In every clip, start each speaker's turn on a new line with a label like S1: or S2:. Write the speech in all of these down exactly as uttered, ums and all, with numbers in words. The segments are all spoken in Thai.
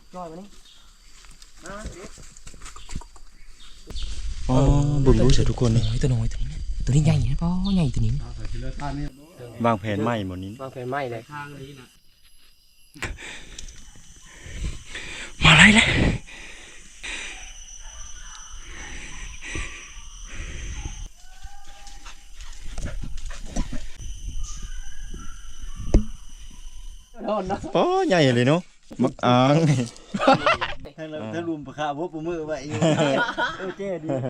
S1: จ้อยมานี่
S2: อ๋อบุญรู้เสียทุกคนเลย
S1: ตัวน้อยตัวนี้ตัวนี้ใหญ่นะพ่อใหญ่ตัวนี้
S2: วางแผนใหม่หมดนี้
S1: วางแผนใหม่เลย
S2: มาอะไรเลยโอ้ใหญ่เลยเนาะมักอ่างนี่
S3: ถ้าเราถ้ารุมประคาพวกมือไว้เออเจ๊ดี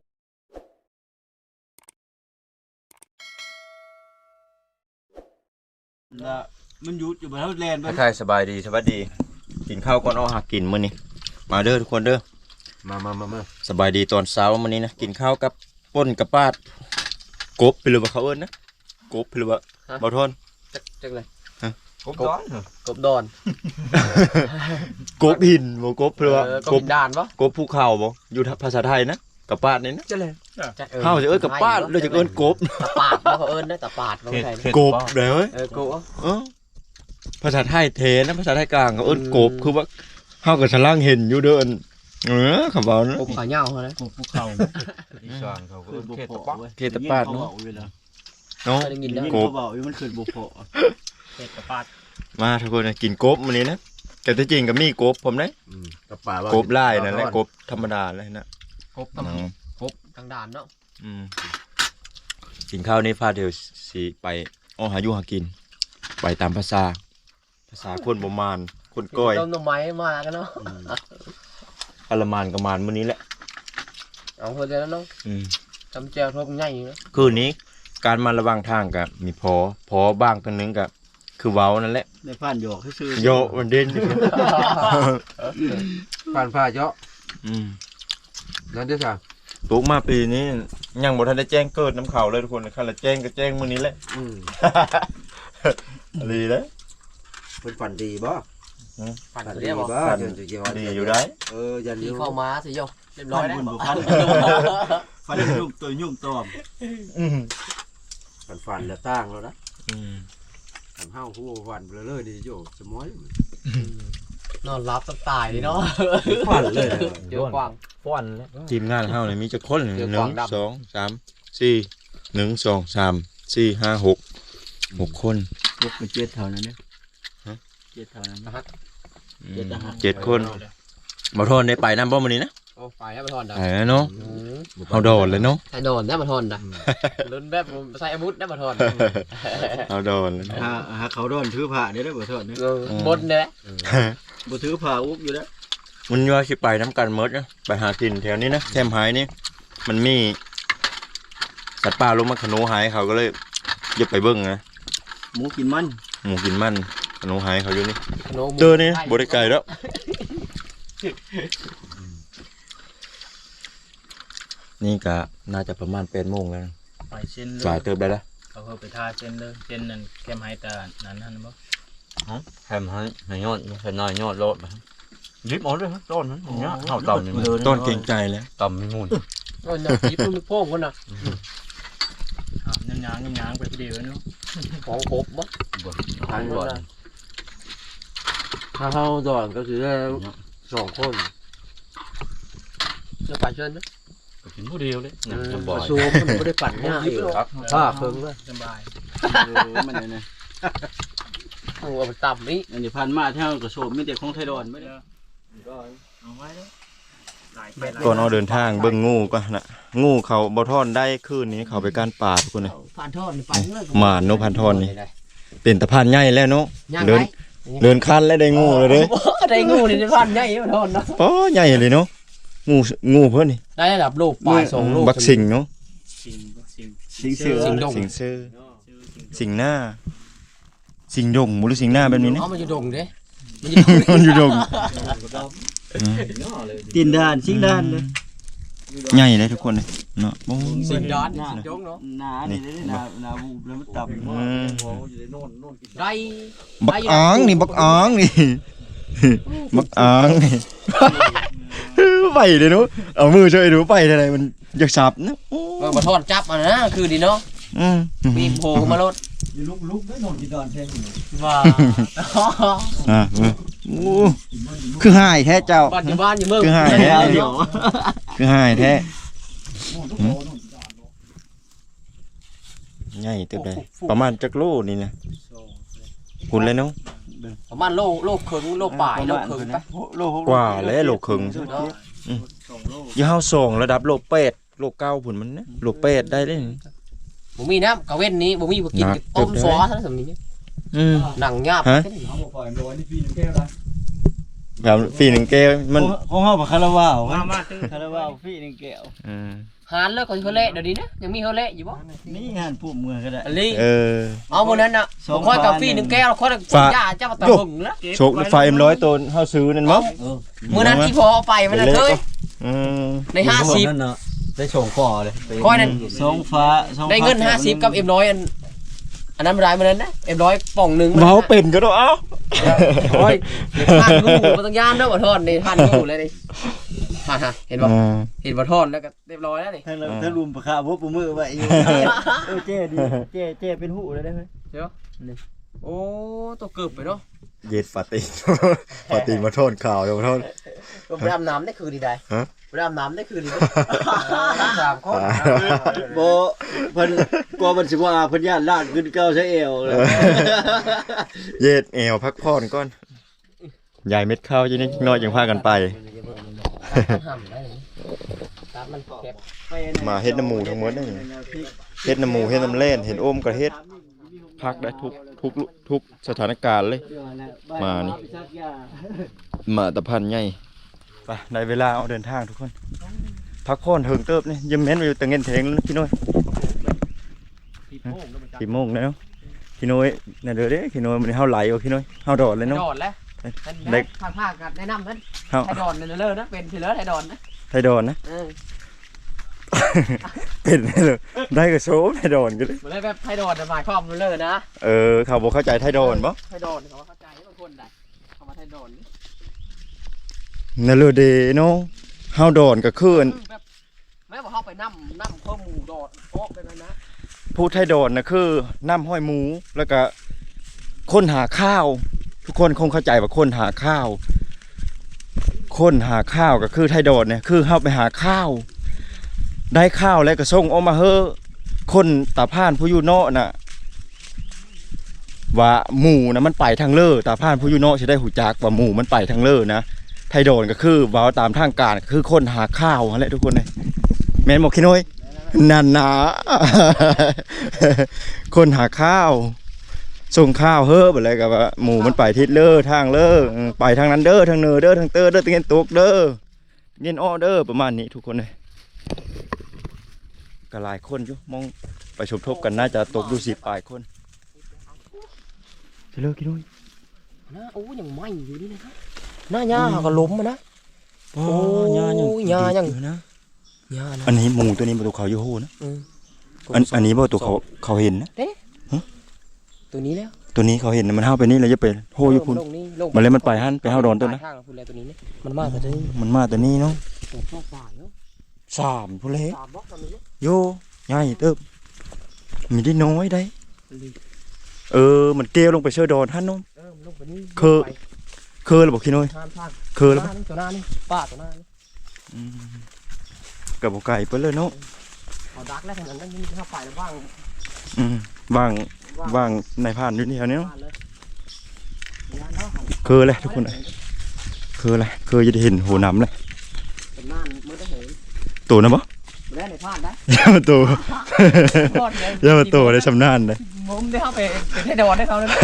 S3: ละมันยุดอยู่บนเท้าแลนด์
S2: ทักทายสบายดีสวัสดีกินข้าวก่อนเอาหากินมื้อนี้มาเด้อทุกคนเด้อ
S3: มามามามา
S2: สบายดีตอนเช้ามื้อนี้นะกินข้าวกับป่นกับปาดกบไปเลยว่าเขาเอิ้นนะกบไปเลยว่าบ่ทน
S1: จักจักเลย
S3: กบดอน
S1: กบดอน
S2: กบหินบ่กบเพราะว่าก
S1: บด่านปะ
S2: กบภูเขาบ่อยู่ภาษาไทยนะกับปาดนี่นะ
S1: จะเลย
S2: เฮาจะเอิ้นกับปาดเลยจะเอิ้นกบ
S1: ตะปาดเขาเอิ้นได้ตะปาดเขาใช่
S2: กบเด้อเว้ย
S1: เออกู
S2: เออภาษาไทยเทนะภาษาไทยกลางก็เอิ้นกบคือว่าเฮาก็ฉลังเห็นอยู่เด้อเออคำว่านะ
S1: กบขาเหย้าเขาเลย
S3: กบภูเขาอีสานเขาก็เขตตะปาด
S2: เขตตะปาดเนาะเนาะ
S1: ได้ยินได้
S3: กบบอกมันขึ้นบุพเพเขตตะปาด
S2: มาทุกคนนะกินกบมื้อนี้นะแต่ที่จริงก็มีกบผมนะ
S3: ตะปาด
S2: กบลายนั่นแหละกบธรรมดาเลยนะ
S1: กบทำกบทางด่านเนาะ
S2: อืมกินข้าวนี่พาเดี๋ยวสิไปอ้อหาอยู่หากิน ไปตามภาษา ภาษาคนบ่มานคนก้อย
S1: ต้นต้นไม้มากันเนาะ
S2: อลมานกับมานมื้อนี้แหละ
S1: เอาคนเดียวแล้วเนาะ
S2: อืม
S1: จำแจวทบใหญ่อยู่นะ
S2: คืนนี้การมาระวังทางกับมีพอพอบ้างตัวนึงกับคือเว้านั่นแหละ
S3: ในผ่านหยอกซื่อ
S2: โยมันเด่น
S3: ผ่านผ่าเจาะ
S2: อืม
S3: นั่นด้วยค่ะ
S2: ปลูกมาปีนี้ยังบ่ทันได้แจ้งเกิดน้ำเขาเลยทุกคนคันละแจ้งก็แจ้งมื้อนี้แหละ
S3: อืม
S2: ดีเด้อ
S3: เป็นฝันดีบ่
S1: ปั่น
S3: ฝัน
S1: ตัว
S3: ดี
S1: เรียบ
S3: บ่
S1: บ่
S3: เดี๋ยวจะเกี่ยว
S2: ดีอยู่ได้
S3: เออยัน
S1: ที่
S3: อยู่
S1: เข้ามาสิโยเรียบร้อยแล้ว
S3: พันฟันยุ่งตัวยุ่งตอม
S2: อืม
S3: ฝันฝันแล้วตั้งแล้วนะ
S2: อืม
S3: ฝันเฮาผู้ฝันเบลอๆดีโยสมอย
S1: นอนรับตายเลยเนาะ
S3: ฝันเลย
S1: เจอกวาง
S2: ฟ้อนแล้วทีมงานเฮานี่มีจักคนหนึ่ง
S1: เจอกวางดำ
S2: สองสามสี่หนึ่งสองสามสี่ห้าหกหกคน
S3: ยกไปเจ็ดเท่านั้นเนี่ยเจ็ดเท่านั้น
S1: นะครับ
S2: อืมเจ็ดคนบ่ทนได้ไปนำบ่มื้อนี้นะ
S1: โอ้ไปให้มาทอนได้
S2: ไปแล้วเนาะเฮาโดดเลยเนาะ
S1: ใส่โดนได้มาทอนได้ลุ้นแบบใส่อาวุธได้มาทอน
S2: เฮาโดดเลยเนาะ
S3: หาหาเขาโดนถือผ้าเนี่ยได้บ่เถิดเนี่ย
S1: บนเนี่ย
S3: บ่ถือผ้าอุกอยู่แล้ว
S2: มันว่าสิไปน้ำกันหมดนะไปหากินแถวนี้นะแคมป์หายนี่มันมีสัตว์ป่าลงมาขนูหายเขาก็เลยอย่าไปเบิ่งนะ
S3: หมูกินมัน
S2: หมูกินมันขนูหายเขาอยู่นี่
S1: ขนม
S2: เจอนี่บ่ได้ไกลแล้วนี่ก็น่าจะประมาณแปดโมงแล้ว
S4: ไปเส้นเล
S2: สาย
S4: ย
S2: เติบได้แล้ว
S4: เขาเขาไปท่าเส้นเลยเส้นนั่นแคมไฮตานั้นนั่นบ่
S5: แฮมให้ให้ยอดให้น้อยยอดโลดนะยิบเอาเลยครับต้นนั้นอย่างเงี้ยเท่าต่ำนี่มัน
S2: ต้นเก่งใจแล้ว
S5: ต่ำมีมูล
S1: โอ้ยเนี่ยญี่ปุ่นโป้งกันนะ
S4: น้ำยางน้ำยางไปเดียวเนาะ
S1: ของครบบ่
S3: ทางก่อนถ้าเฮาดอนก็คือสองคน
S1: จะไปเชิญนะ
S5: กินผู้เดียวเลยนะจะบ่
S3: บ่
S5: อย
S3: ซูมมันบ่ได้ปั่นง่ายอยู่
S5: ครับ
S3: ผ้าเพิ่งเลย
S4: สบาย
S3: เออมันเนี่ย
S1: โอ้เอาไปต่ำนี่
S3: อันนี้พันมาเท่ากับโซมมีแต่ของไทยดอนไม่ได้
S4: เอาไว้แล้วหลายไปหลาย
S2: ก่อนเอาเดินทางเบิ่งงูก็นะงูเขาบ่ทอนได้คืนนี้เขาไปก้านป่าทุกคนเลย
S1: ผ่านทอดไปเลย
S2: หมาโนพันทอนนี่เป็นตะพานใหญ่แล้วเนาะ
S1: ย่าง
S2: เดิน
S1: ไง
S2: เดินคันแล้วได้งูเลยเด้
S1: ได้งูนี่ผ่านใหญ่มาทอดนะ
S2: ป้อใหญ่เลยเนาะงูงูเพิ่นนี่
S1: ได้ระดับโลกปลายสองโลก
S2: บักสิงเนาะ
S4: สิ่งสิ่ง
S3: สิงเสือ
S1: สิงดง
S2: สิงเซอร์สิงหน้า สิงดงบ่หรือสิงหน้าแบบนี้นะ
S1: เอามันอยู่ดงเด้
S2: มันอยู่ดง
S3: ตีนด้านสิงด้านเลย
S2: ใหญ่เลยทุกคนเลยเนาะโอ้
S1: สิงดอนสิงจงเนาะ
S3: หนานี่ได้หนาหนาบูบแล้วมันต่ำ
S2: อืม
S1: ได้
S2: บักอ่างนี่บักอ่างนี่ บักอ่างนี่ ไปเลยเนาะเอามือช่วยดูไปเท่าไหร่มันอยากสับนะโอ้
S1: มาทอดจับมันนะคือดีเนาะ
S2: อืม
S1: มีโผล่มาลด
S3: ลุกลุกได้นอนกินดอนแท้
S1: ว่า
S2: อ่าเออโอ้คือหายแท้เจ้า
S1: บ้านอยู่บ้านอยู่เมือง
S2: คือหายแท้เดี๋ยวคือหายแท้ใหญ่เติบได้ประมาณจักโลนี่นะคุณเลยเนาะ
S1: ประมาณโลโลครึ่งโลปลายโลครึ่งไป
S3: โลหก
S2: กว่าแล้วโลครึ่งอยู่เฮาส่งระดับโลแปดโลเก้าพุ่นมันนะโลแปดได้เด้
S1: บ่มีน้ำกะเว้นนี้บ่มีบ่กินต้มซอซะซั่นนี้
S2: อืม
S1: หนังหยาบ
S2: ฮะแบบปีหนึ่งแก้วมัน
S3: ของเฮาบ่คาราบาว
S4: มามาตื้อ
S3: คาราบาวฟรีหนึ่งแก้ว
S2: อืม
S1: หานแล้วก็เฮาเละเดี๋ยวนี้นะยังมีเฮาเละอยู่บ่
S3: นี่งานผู้เมืองก็ได้
S1: อันนี้
S2: เออ
S1: เอามื้อนั้นน่ะผมค่อยกาแฟหนึ่งแก้วค่อยกินยาเจ้าตะหึงแล้ว
S2: โชคไฟเอ็มร้อยตัวเฮาซื้อนั่นมั้ง
S1: มื้อนั้นที่พอเอาไปมันน่ะเคย
S2: อืม
S1: ในห้าสิบ
S5: นั่นน่ะได้โฉงคอเลย
S1: ค่อยนั้น
S3: สองฟ้าสอง
S1: ได้เงินห้าสิบกับเอ็มร้อยอันอันนั้นบ่ได้มื้อนั้นนะเอ็มร้อยป่องหนึง
S2: เมาเป็นก็ต้องเอ้า
S1: โอ้ยทานงูบ่ต้องย่านเด้อบ่ทอนนี่ทานงูเลยนี่ฮะๆเห็นบ่เห็นบ่ทอนแล้วก็เรียบร้อยแล้วนี่
S3: ทั้งเราทั้งรวมประคาบ่ปูมือไว้อยู่เออเจ๊ดีเจ๊เจ๊เป็นหูเลยได้มั้ย
S1: เดี๋ยวโอ้ตัวเกือบไปเนาะ
S2: เย็ดปาติปาติมาโทษข่าวเดี๋ยวมาโทษ
S1: ไปอาบน้ำได้คืนดีได้
S2: ฮะ
S1: ไปอาบน้ำได้คืนดีได้สามคน
S3: บ่เพิ่นกลัวมันสิว่าเพิ่นย่านลาดขึ้นเก้าใช้เอวเลย
S2: เย็ดเอวพักผ่อนก่อนยายเม็ดข้าวยี่นี่น้อยยังพากันไป
S1: ห้ามได้ตามมันเก็บ
S2: มาเฮ็ดน้ำหมูทั้งหมดนี่เฮ็ดน้ำหมูเฮ็ดน้ำเล่นเห็นโอมก็เฮ็ดพักได้ทุกทุกทุกสถานการณ์เลย มานี่ มาตะพันใหญ่ไปได้เวลาเอาเดินทางทุกคนพักผ่อนเถิงเติบนี่ยิ้มแม้นไปอยู่ตะเงินเทงแล้วนะพี่น้อยสี่โมงแล้วเนาะพี่น้อยเนี่ยเด้อเด้พี่น้อยมันเฮาไหลว่ะพี่น้อยเฮาดอดเลยเนาะ
S1: ดอนแล้ว
S2: เด็ก
S1: ทางภาคกัดแนะนำนั้น
S2: เฮา
S1: ไทยดอนเลยเลยนะเป็นทีเลอร์ไทยดอนนะ
S2: ไทยดอนนะ
S1: เออ
S2: เป็นได้เลยได้ก็โชว์ไทยดอนกันเลย
S1: มันเลยแบบไทยดอนหมายความเลยนะ
S2: เออเขาบอกเข้าใจไทยดอนบ่
S1: ไทยดอนเขาเข้าใจบางคนได้เขามาไทยดอน
S2: นั่นเลยเด้เนาะเฮาดอนก็คืออัน
S1: แบบแม้ว่าเขาไปนั่มนั่มเพิ่มหมูดอดโป๊ะไปเลยนะ
S2: พูดไทยดอนนะคือน้ำห้อยหมูแล้วก็คนหาข้าว ทุกคนคงเข้าใจว่าคนหาข้าว คนหาข้าวก็คือไทยดอนเนี่ยคือเฮาไปหาข้าว ได้ข้าวแล้วก็ส่งออกมาเฮ้อคนตาพานผู้อยู่เนาะน่ะว่าหมูนะมันไปทางเลอตาพานผู้อยู่เนาะสิได้หูจักว่าหมูมันไปทางเลอนะไทยดอนก็คือว่าตามทางการคือคนหาข้าวนั่นแหละทุกคนเลยแม่นบอกขี้น้อยนั่นนะ คนหาข้าวส่งข้าวเฮ้อแบบอะไรกับว่าหมูมันไปทิศเลอทางเลอไปทางนั้นเด้อทางเนอเด้อทางเตอเด้อตะเงินตกเด้อเงินอ้อเด้อประมาณนี้ทุกคนเลยก็หลายคนอยู่มองไปชมทบกันน่าจะตกดูสิบปลายคนไปเลยกินด้วย
S1: นะโอ้ยังไหมอยู่นี่นะครับหน้าหญ้าก็ล้มมานะ
S2: โอ้
S1: ยายัง
S2: ยายังนะ
S1: หญ้านะ
S2: อันนี้หมูตัวนี้ประตูเขาอยู่โหนะ
S1: อืม
S2: อันอันนี้ประตูเขาเขาเห็นนะ
S1: ตัวนี้แล้ว
S2: ตัวนี้เขาเห็นนะมันห้าวไปนี่เลยจะเป็นโหอยู่พุ่น
S1: ลงนี่ลง
S2: มันเลยมันไปหันไปห้าวโดนตัวนะ
S1: ทางพุ่นเลยตัวนี้เนี่ยมันมาแต่ตัวนี้
S2: มันมาแต่นี่เนาะ
S1: ตัวชอบป่าเนาะ
S2: สามพุ่นเลย
S1: สามบล็อกตอนนี้เนี่ย
S2: โยใหญ่เติบมีได้น้อยได้เออมันเกลียวลงไปเชื่อดอนท่านน้อง
S1: เออมันลงไปนี่
S2: คือ เคยหรือบอกขี้น้อย
S1: ทานทาน
S2: เคยแล้ว
S1: หน้านี่ตัวหน้านี่ป้าตัวหน้านี่
S2: กับบอกไก่ไปเลยเนาะ
S1: เอาดักแล้วขนาดนั้นยังมีข้าวไฟแล้วบ้าง
S2: อืมว่างว่างในผ่านอยู่นี่แถวนี้เนาะ
S1: บ้านเลยงานเนาะ
S2: เคยเลยทุกคนเลยเคยเลยเคยจะได้เห็นหัวน้ำเลย
S1: เป็นน่านมือได้เห็น
S2: ตัวนะบ่
S1: ไม่ได้ในพลาดได้
S2: ย่ามาตัว
S1: รอดเลย
S2: ย่ามาตัวได้ชำนาญเลย
S1: มุมได้เข้าไปเป็นให้ดอนได้เขาเลยนะ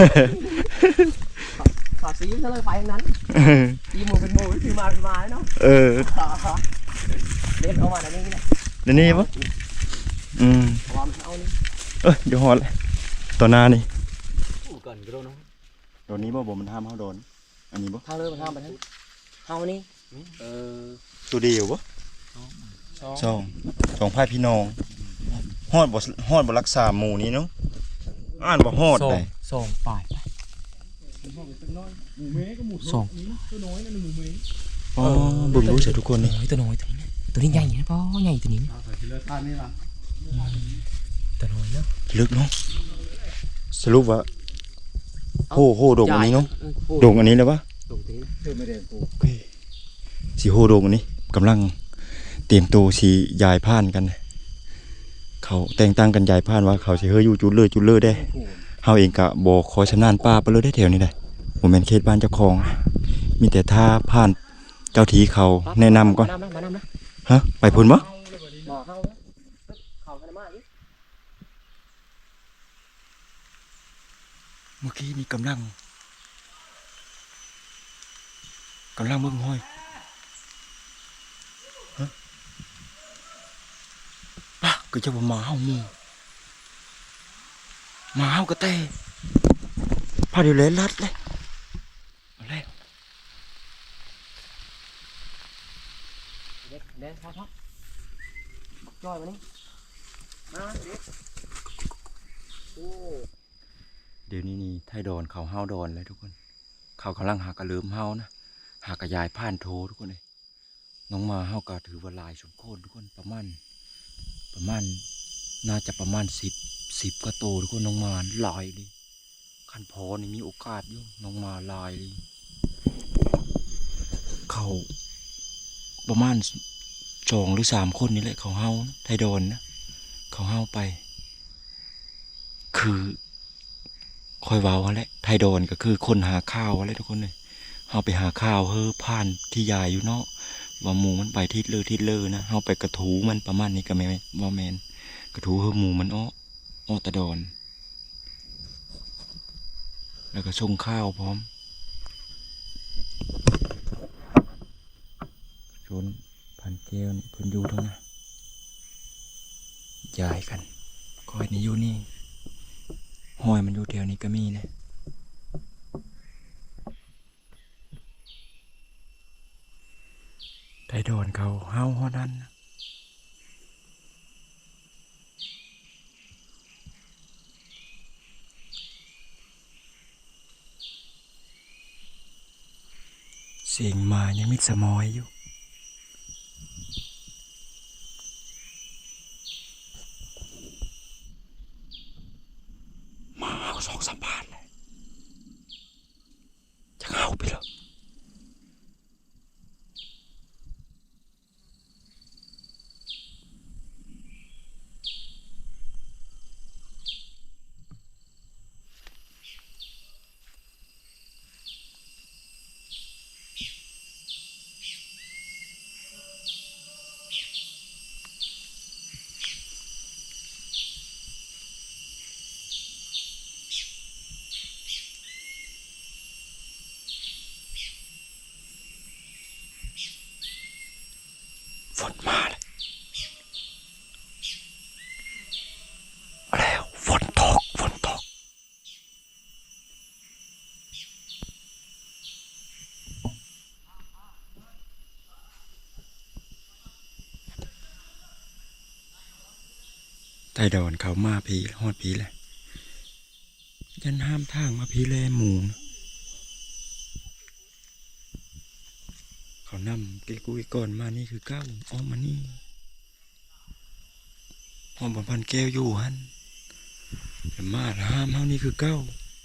S1: ขาซีซะเลยไปทั้งนั้นซีหมูเป็นหมูซีมาเป็นมาเนาะ
S2: เออ
S1: เล่นเอามาในนี้นะ
S2: เดี๋ยวนี้ปะอืม
S1: เอามาเอานี่
S2: เอ้ยอย่าหอดเลยตัวหน้านี่
S5: อู้กันก็เนาะ
S2: ตัวนี้บ่บ่มันห้ามเฮาโดนอันนี้บ่
S1: ทางเลยมาทางไปทางเอานี่เออ
S2: ตัวเดียวบ่
S1: สอง
S2: สองสองพายพี่น้องฮอดบ่ฮอดบ่รักษาหมู่นี้เนาะอ่านบ่ฮอดได้
S1: สองปลายสอง
S2: อ๋อเบิ่งรู้เสียทุกคนนี่
S1: เฮ้ยตัวน้อยตัวนี้นะตัวนี้ใหญ่นะพ่อใหญ่ตัวนี้นะตัวน้อยเนาะ
S2: ลึกเนาะสรุปว่าโหโหดงอันนี้เนาะดงอันนี้เลยปะ
S1: ตรงนี้
S3: เธอไม่ได้กู
S2: โอเคสีโฮโดงอันนี้กำลังเตรียมตัวสียายผ่านกันนะเขาแต่งตั้งกันยายผ่านว่าเขาสิเฮยอยู่จุดเลยจุดเลยได้เฮาเองกะบ่ขอชำนาญป้าไปเลยได้แถวนี้ได้บ่แม่นเขตบ้านเจ้าของ มีแต่ถ้าผ่านเจ้าทีเขาแนะนำก่อน
S1: มานำนะมานำนะ
S2: ฮะไปพุ่นบ่
S1: บ่เฮาเข้ากันมาอีก
S2: เมื่อกี้นี่กำลังกำลังเบิ่งห้อยฮะปะก็จะบ่มาเฮาหมู่มาเฮากระเตพาเดี๋ยวเลยลัดเลยเอาเลย
S1: เด็กเด็กพอๆจอยมานี่มาเด็กโอ้
S2: เดี๋ยวนี้นี่ไทยดอนเขาเฮาดอนเลยทุกคนเขากำลังหากระลืมเฮานะหากระยายผ่านโททุกคนเลยน้องมาเฮาก็ถือว่าหลายสมโคนทุกคนประมาณประมาณน่าจะประมาณสิบสิบกว่าโตทุกคนน้องมาหลายเลยคันพอนี่มีโอกาสอยู่น้องมาหลายเลยเขาประมาณสองหรือสามคนนี่แหละเขาเฮานะไทยดอนนะเขาเฮาไป คือคอยเว้าแหละไทยดอนก็คือคนหาข้าวอะไรทุกคนเลยเฮาไปหาข้าวเฮ้อผ่านที่ยายอยู่เนาะว่าหมูมันไปทิศเลอทิศเลอนะเฮาไปกระถูมันประมาณนี้ก็ไม่ว่าแมนกระถูเฮ้อหมูมันอ้ออ้อตะดอนแล้วก็ส่งข้าวพร้อมชนพันเกลนี่เพิ่นอยู่ทั้งนั้นยายกันคอยนี่อยู่นี่ห้อยมันอยู่แถวนี้ก็มีนะไทยดอนเขาเฮาฮอดันนะเสียงมายังมิดสมอยอยู่มาเอาสองสามบาทเลยจะเอาไปเหรอฝนมาเลยแล้วฝนตกฝนตกไทยดอนเขามาพีฮอดพีเลยยันห้ามทางมาพีเลยหมูนะเขานำเกกุยก่อนมานี่คือเก้าอ้อมมานี่อ้อมบนพันแก้วอยู่ฮันแต่มาห้ามเฮานี่คือเก้า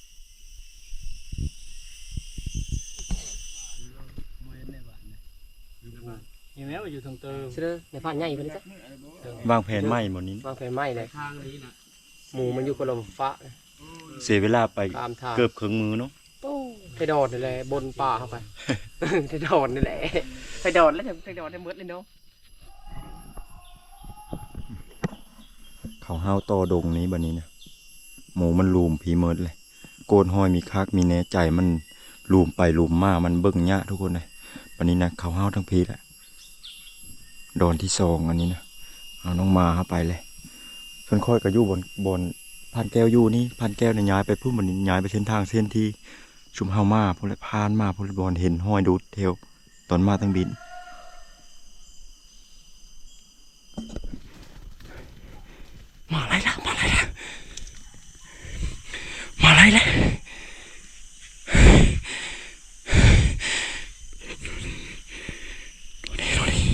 S4: ยังแม้ว่าอยู่ทางเติม
S1: เชื่อในผ่านใหญ่ไปเลยจ้ะ
S2: วางแผนไหมหมดนี้
S1: วางแผนไหม้เลย
S4: ทางนี้นะ
S1: หมูมันอยู่คนละฟ้า
S2: เสียเวลาไป
S1: ตามทาง
S2: เกือบครึ่งมือเนาะ
S1: โอ้ไปโดดนี่แหละบนป่าเข้าไป ไปโดดนี่แหละไปโดดแล้วไปโดดได้หมดเลยเนาะ
S2: เขาห้าวโตดงนี้บันนี้นะหมูมันลูมผีเมิดเลยโกนห้อยมีคักมีแหน่ใจมันลูมไปลูมมามันเบิ่งยะทุกคนเลยบันนี้นะเขาห้าวทั้งพีแหละโดนที่สองอันนี้นะเอาน้องมาเข้าไปเลยส่วนค่อยก็อยู่บนบนพันแก้วอยู่นี่พันแก้วเนี่ยย้ายไปพุ่มบันนี้ย้ายไปเส้นทางเส้นที่ชุมเฮามาพุ่นเลยพานมาพุ่นเลยบอลเห็นห้อยดูดเทวตอนมาตั้งบินมาอะไรล่ะมาอะไรล่ะมาอะไรล่ะดูดิดูดิ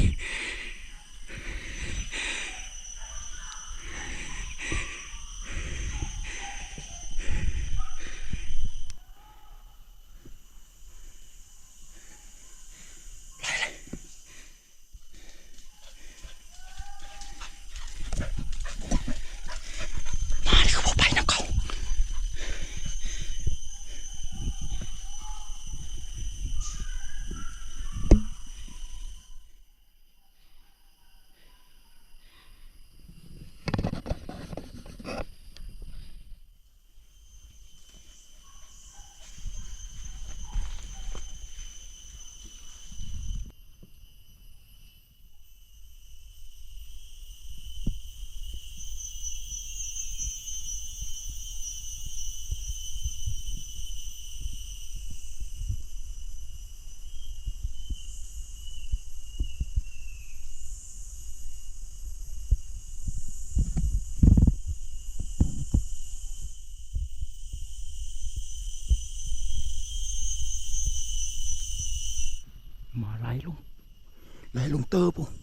S2: มาไล่ลงไล่ลงเตอร์ปุ๊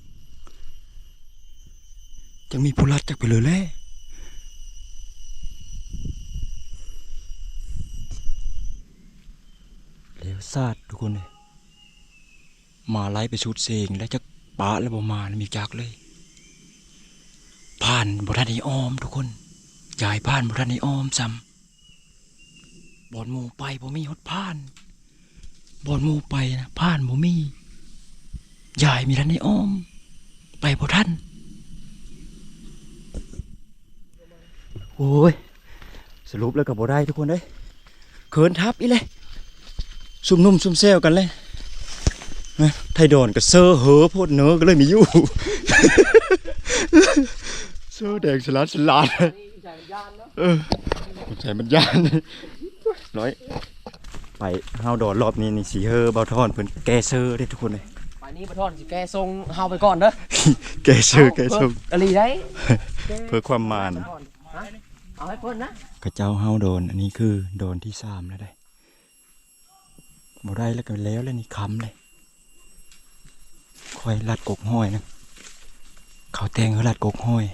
S2: จังมีผู้รัดจักไปเลยแหละแล้วซาดทุกคนเลยมาไล่ไปชุดเสงแล้วจะปะแล้วบ่มาแล้วมีจักเลยผ่านบ่ทันได้อ้อมทุกคนยายผ่านบ่ทันได้อ้อมซ้ำบอนหมู่ไปบ่มีฮอดผ่านบอนหมู่ไปนะผ่านบ่มียายมีทันได้อ้อมไปบ่ทันโอ้ยสรุปแล้วก็บ่ได้ทุกคนเด้ยเขินทับอีเลยซุ่มนุ่มซุ่มเซลกันเลยไทยดอนกับเซอร์เหอโพดเนื้อก็เลยมีอยู่เซอร์แดงสลัดสลัดเออใส่มันยานร้อยไปเฮาดอนรอบนี้นี่สีเฮอเบาทอนเพิ่นแกเซอร์ได้ทุกคนเลย
S1: ไปนี่บ่ทอนสิแกทรงเฮาไปก่อนเด้อ
S2: แกเซอร์แกทรง
S1: กะลีได้
S2: เพื่อความมาน
S1: เอาให้เพิ่นนะ
S2: กระเจ้าเฮาโดนอันนี้คือโดนที่สามแล้วได้บ่ได้แล้วก็แล้วแล้วนี่ค้ำเลยคอยลัดกกห้อยนะเขาแตงเขาลัดกกห้อย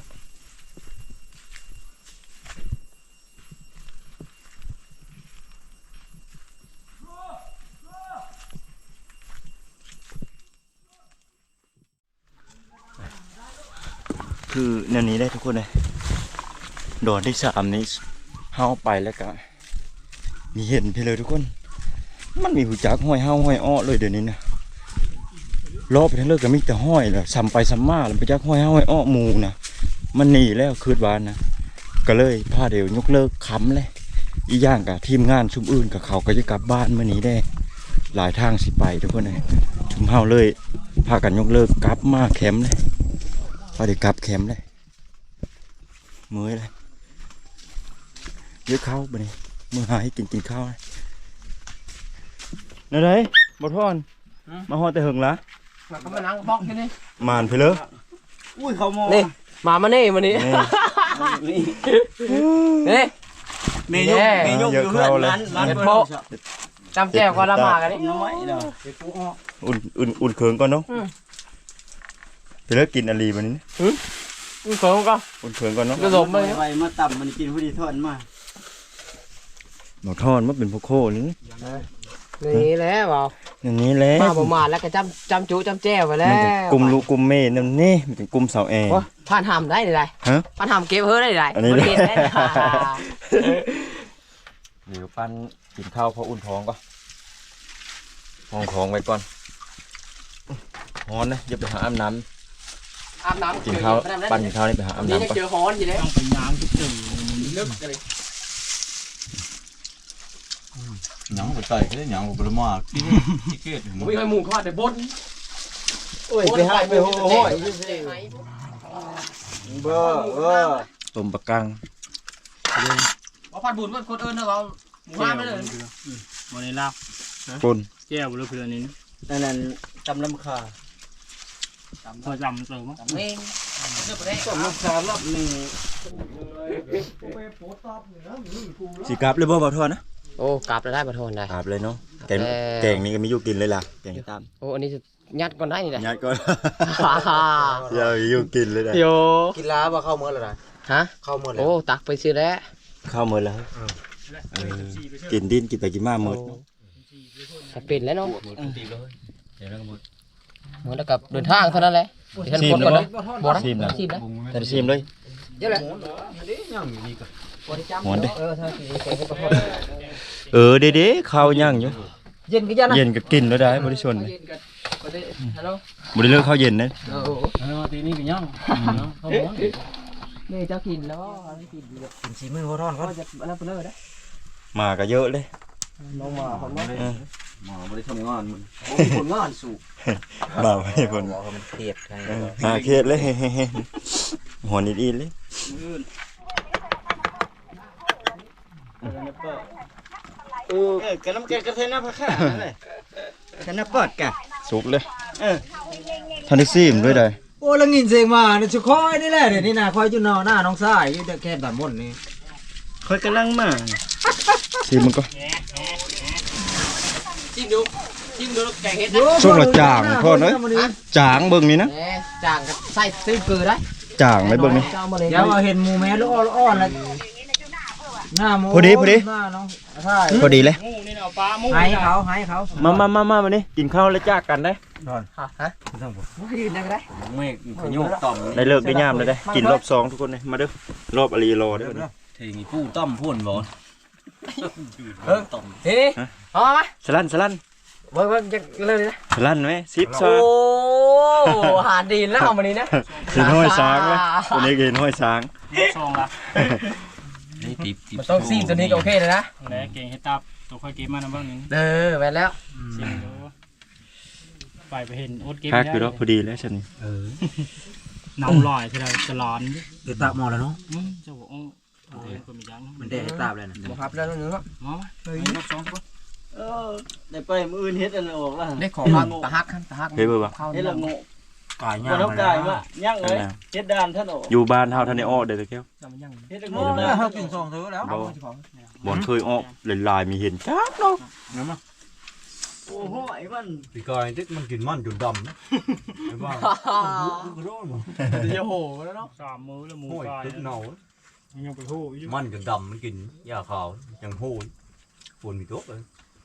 S2: คือแนวนี้ได้ทุกคนเลยโดนที่สามนี้เฮาไปแล้วก็มีเห็นไปเลยทุกคนมันมีหูจักห้อยเฮาห้อยอ้อเลยเดี๋ยวนี้นะรอบไปทั้งเลิกก็มีแต่ห้อยแหละซ้ำไปซ้ำมาแล้วไปจักห้อยเฮาห้อยอ้อหมูนะมันหนีแล้วคืนวานนะก็เลยพาเดี๋ยวยกเลิกค้ำเลยอีย่างกับทีมงานชุมอื่นกับเขาก็จะกลับบ้านเมื่อนี้ได้หลายทางสิไปทุกคนเลยชุมเฮาเลยพากันยกเลิกกลับมาแคมป์เลยพอเดี๋ยวกลับแคมป์เลยมื้อเลยเยอะข้าวบ่นี่มื้อหาให้กินกินข้าวนั่นไดบ่ทอนมาฮอดแต่หึงละ
S1: มาก็มานั่งบอกแค่นี้
S2: มานไปเลย
S3: อุ้ยเขามอง
S1: นี่มามานี่มานี่นี่
S3: เมยุกเมยุกอยู่เพื่อนร้านร้านโป๊ะ
S1: จำแจ้วก็ละมากันนี่
S3: น้อยเด้อ
S2: อุ่นอุ่นอุ่นเคืองก่อนเนาะไปเลิกกินอะไรบัดนี้
S1: อือเขิงก็
S2: อุ่นเคืองก่อนเนาะ
S1: กระสมเลย
S3: ไปมาต่ำมันกินผู้ดีทอดมา
S2: บ่ทอนมันเป็นพวกโคนี่
S1: นี่แหละเปล่า
S2: อย่างนี้แหละ
S1: มาประมาณแล้วก็จำจำจูจำแจ้วไปแล้
S2: มัน
S1: ว
S2: เป็นกลุ่มลูกกลุ่มเมย์นั่นนี่มันเป็นกลุ่มสาวแอร์
S1: ผ่านหำได้เลย
S2: ฮะ
S1: ผ่านหำเก็บเฮ้ยได้เลย
S2: อันนี้
S1: มันเก็บได้เลย
S2: เดี๋ยวปั้นกินข้าวพออุ่นท้องก่อนห้องของไว้ก่อนฮ้อนนะอย่าไปหาอาบน้ำ
S1: อาบน้ำ
S2: กินข้าวปั้นกินข้าวนี่ไปหาอาบ
S1: นี่
S2: น้ำก่อน
S1: เจอฮ้อนอยู่เลย
S4: ต้องไปย้างที่ตื่น
S1: ลึกกันเลย
S5: หยังบ่ใส่ก็ได้หยังบ่ประมาทที่ที่เกต
S1: ผมไม่เคยหมูข้อแต่บด
S3: โอ้ยไปให้ไปโอ้ยเบอร์เออ
S2: ต้มปลากัง
S1: เอาผัดบุญมันคนเอิญนะเราหมูห้าไม่เลย
S4: วันนี้ลาบ
S2: ปุ่น
S4: แก้วเรือเพื่อนนี้
S3: นั่นนั่นจำลำคา
S4: พอจำเติมมั้ง
S1: เองเลือกไปได้
S3: จำลำคารอบหนึ่ง
S2: สีกราบเลยบ่บ่ทอนนะ
S1: โอ้กลับแล้วได้ปะทนได้
S2: กราบเลยเนาะแกง
S1: เอ่อ
S2: แกงนี่ก็มีอยู่กินเลยล่ะแกงตาม
S1: โอ้อันนี้จะยัดก่อนได้นี่แหละ
S2: ยัดก่อนอย่าอยู่กินเลยนะ
S1: โย
S3: กินล้าบ่เข้าเมื่อไร
S1: ฮะ
S3: เข้าเมื่อไร
S1: โอ้ตักไปซื้อแล้ว
S2: ข้าวหมดแล้วเออกินดินกินไปกินมาหมด
S1: จะเป็นแล้วเนาะเหมือนกับเดินทางเท่านั้นแหละท่านคนก่อนนะบอกนะ
S2: ชิมนะ
S1: ชิมนะ
S2: แต่ชิมเลย
S1: เยอะเลย
S2: หอนเด้
S1: เออทางสีแกงก็พอ
S2: เออเด้เด้ข้าวย่างอยู่
S1: เย็นก็ยันนะ
S2: เย็นก็กินแล้วได้บริชนเลย
S1: เย็นกันก็ได้ฮัลโหล
S2: บริเลิกข้าวเย็นนะ
S1: เออ
S4: เออตีนี้เป็นยังเขาบอก
S1: นี่เจ้ากินแล้วไม่กินดี
S3: กินสีมือเขาทอด
S1: ก็จะอันนั้นไปเลยนะ
S2: มาก็เยอะเลย
S1: ลงมาผมว่า
S2: เออ
S5: หมอบ่ได้ทำงานมัน
S1: ผลงานสูง
S2: บ่าวให้คน
S3: มันเครียดใคร
S2: เออหาเครียดเลยหัวนิดอีเลย
S3: เออแกน้ำแกงกระเทียมน้ำผักข้านั่นแหละแกน้ำปอดกะ
S2: สุกเลย
S3: เออ
S2: ทันได้ซีมด้วยได้
S3: โอ้แล้วงินเสียงมาเนี่ยชุคอยนี่แหละเดี๋ยวนี้นะคอยจุนนอหน้าน้องสายอยู่แค่แบบม่นนี่คอยกำลังมา
S2: ซีมมันก็
S1: จิ้มดูชิมดูแกงเห็ด
S2: ช่วงละจางพ่อเอ้ยจางเบิ่งนี่นะ
S1: แหมจางกับไส้ตื้อเกลือได้
S2: จางไว้เบิ่งนี่
S1: เจ้ามาเลย
S3: เดี๋ยวเอาเห็นหมูแม่ลูกอ่อนๆแล้วหน้าหมู
S2: พอดีพอดี
S3: หน้าน้องใช่
S2: พอดีเลย
S4: งูนี่เอาปลาหมู
S3: ให้เขาให้เขา
S2: มามามามาวันนี้กินข้าวแล้วจากกันได้
S1: ฮะยืนได้ก็ได้
S5: เมฆขยุกต่อม
S2: ได้เลิกได้ยามเลยได้กินรอบสองทุกคนเลยมาเด้อรอบอลีรอเด้อ
S5: ทีนี้ผู้ต้อมพูนบ่
S1: เออเฮ้ยเอามา
S2: สลันสลัน
S1: เบิ่งเบิ่งจะเริ่มเลยนะ
S2: สลันไหมซิปซอ
S1: โอ้หาดีนแล้วเอามานี้นะ
S2: เห็นห้อยช้างไหมตัวนี้เห็นห้อยช้าง
S4: ซองละ
S5: นี่ติบติบ
S1: มันต้องซีมตัวนี้ก็โอเคเลยนะ
S4: แล้วเก่งให้ตับตัวค่อยเกมมานะบ้างนึง
S1: เออแม่นแล้ว
S4: ชิมดูไปไปเห็นโอ๊ตเกม
S2: คักอยู่แล้วพอดีแล้วฉัน
S4: น้ำลอยที่เราจะร้อน
S3: เดี๋ยวตาหมอแล้วเนาะ
S4: อืมเจ้าบอกโอ้ยก็มียัง
S3: มันได้ตาเลยนะ
S1: บ่ครับแล้วนึงครับ
S4: มาเฮ้ยสองคน
S5: เออได้ไปมื้ออื่นเฮ็ดอันออกแล้ว
S1: ได้ของครับตะฮักตะฮัก
S2: เฮ้ยเบิ่งบ่
S1: เข้า
S5: เฮ็ดละโง่
S3: กาย
S5: บ่
S3: ย่าง
S5: ต้องกายมาย่างเลยเฮ็ดดานท่านออก
S2: อยู่บ้านเฮาท่านได้ออกเด้อตะแก้ว
S1: จะมันยัง
S5: เฮ็ดละ
S3: โอ้
S5: โง่
S3: ย
S5: นะ
S3: เขากินสองเธอแล้ว
S2: บ่บ่เคยออกลายๆมีเห็นจักเนาะ
S5: โอ้โหไอ้มัน
S3: ปีกายที่มันกินมันจนดำนะไอ้บ้า
S1: เดี๋ยวโหแล้วเนาะ
S4: สามมื้อแล้วหมู
S3: โอ้ย
S4: กาย
S3: ตึกเน่า
S4: ยังไปหูอยู่
S3: มันจนดำมันกินยาขาวยังโหยฝนมีตัวเลย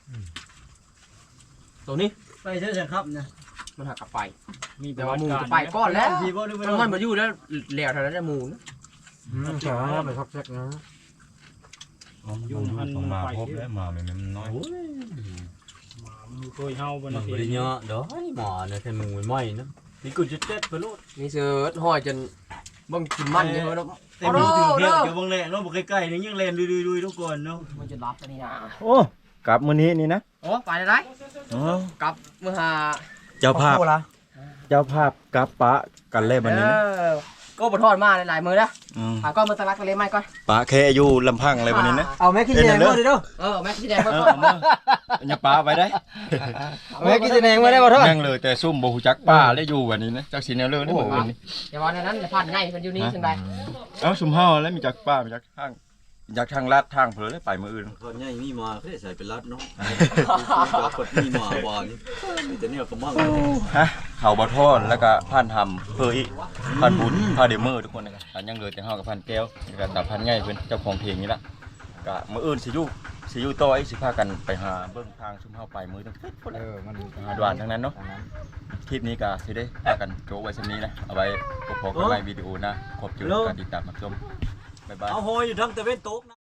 S1: ตัวนี้
S5: ไปเถอะครับนะ
S1: มันหักกลับไป
S4: มี
S1: แต่ว่าหมูจะไปก้อนแล้ว
S5: ทีบ่ดูไป
S1: มันมาอยู่แล้วเหลวเท่านั้นจะหมู
S3: ใช่ไปทักแซกนะ
S4: ยุ่งหันมาพบแล้ว
S3: มามันน้อย
S4: มามีเคยเฮาบน
S5: มันบ่ได้เยอะดอกหมอเนี่ยแค่มึงไม่ไหม้นะนี่กูจะเจ็ดไปโลด
S1: นี่เสือห้อยจนบังกินมันเยอะแล้ว
S5: แต่มึงถึงเที่ยวอยู่บางแหล่เนาะบ่ใกล้ๆนี่ยังแล่นดุยๆๆทุกคนเนาะ
S1: มันจะรับอันนี้นะ
S2: โอ้กลับมื้อนี้นี่นะ
S1: โอ้ไปได้
S2: อ๋อก
S1: ลับเมื่อหา
S2: เจ้าภาพเจ้าภาพกลับปะกันเลยบัดนี้นะ
S1: ก็บทอดมาหลายมือนะ
S2: อืม
S1: หาก้อนมาตะลักกันเลยไหมก้อน
S2: ปะแค่อยู่ลำพังเลยบัดนี้นะ
S3: เอาแม่กินแดงมาดิเด้อ
S1: เออแม่ขี้แดงมา
S2: เอ
S1: ก่
S2: อ
S1: อน
S2: เอามาอย่าปลาไปได้
S3: แม่กินแดงมาได้บ่ทอด
S2: นั่งเลยแต่ซุ่มบ่ฮู้จักป้าเลยอยู่บัดนี้นะจักสิแนวเลยได้บ่อื่นนี่
S1: อย่าว่าในนั้นผ่านง่ายมันอยู่นี่จังได
S2: เอ้าซุ่มเฮาแล้วมีจักป้ามีจักทางมีจักทางลาดทางเผลอเลยไปมื้ออื่น
S5: ตอนนี้มีมาเพื่อใส่เป็นรัดเนาะกดมีมาบอลนี่แต่เนี่ยก็มั่ง
S2: ฮะเขาบ่ทอดแล้วก็ผ่านทำเพื่ออีกผ่านบุญผ่านเดมเมอร์ทุกคนนะครับอันยังเหลือแต่เฮากับผ่านแก้วแล้วก็ตาพันง่ายเพิ่นเจ้าของเพลงนี่ล่ะก็มื้ออื่นสิอยู่สิอยู่ต่ออีกสิพากันไปหาเบิ่งทางซุ่มเฮาไปมื้อนึง
S3: เออมัน
S2: หาดวานทั้งนั้นเนาะคลิปนี้ก็สิได้พากันโจไว้ซั่นนี้นะเอาไว้พบกันใหม่วิดีโอหนะขอบคุณการติดตามรับชมบ๊ายบาย
S5: เอาโหยอยู่ทั้งตะเวนตกนะ